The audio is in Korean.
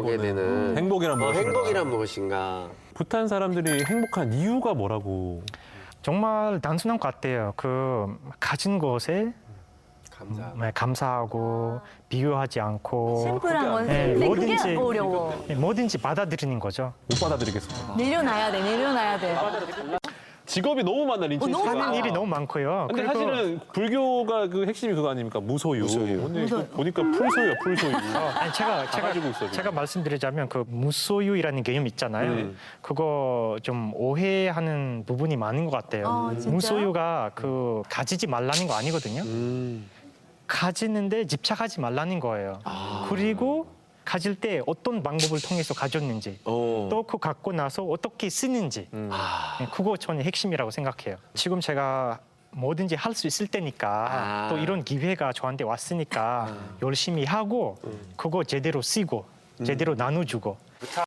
보게 되는 행복이란 무엇인가. 행복이란 무엇인가. 부탄 사람들이 행복한 이유가 뭐라고? 정말 단순한 것 같아요. 그 가진 것에 감사하고 비교하지 않고 심플한 건. 네, 근데 뭐든지. 그게 어려워. 뭐든지 받아들이는 거죠. 못 받아들이겠습니다. 내려놔야 돼, 내려놔야 돼. 직업이 너무 많아 린치 너무 씨가. 하는 일이 너무 많고요. 근데 그리고 사실은 불교가 그 핵심이 그거 아닙니까? 무소유. 근데 이거 보니까 풀소유야, 풀소유. 아니, 가지고 있어, 제가 말씀드리자면 그 무소유이라는 개념 있잖아요. 그거 좀 오해하는 부분이 많은 것 같아요. 아, 진짜요? 무소유가 그 가지지 말라는 거 아니거든요. 가지는데 집착하지 말라는 거예요. 그리고 가질 때 어떤 방법을 통해서 가졌는지 또 그 갖고 나서 어떻게 쓰는지 그거 저는 핵심이라고 생각해요. 지금 제가 뭐든지 할 수 있을 때니까 또 이런 기회가 저한테 왔으니까 열심히 하고 그거 제대로 쓰고 제대로 나눠주고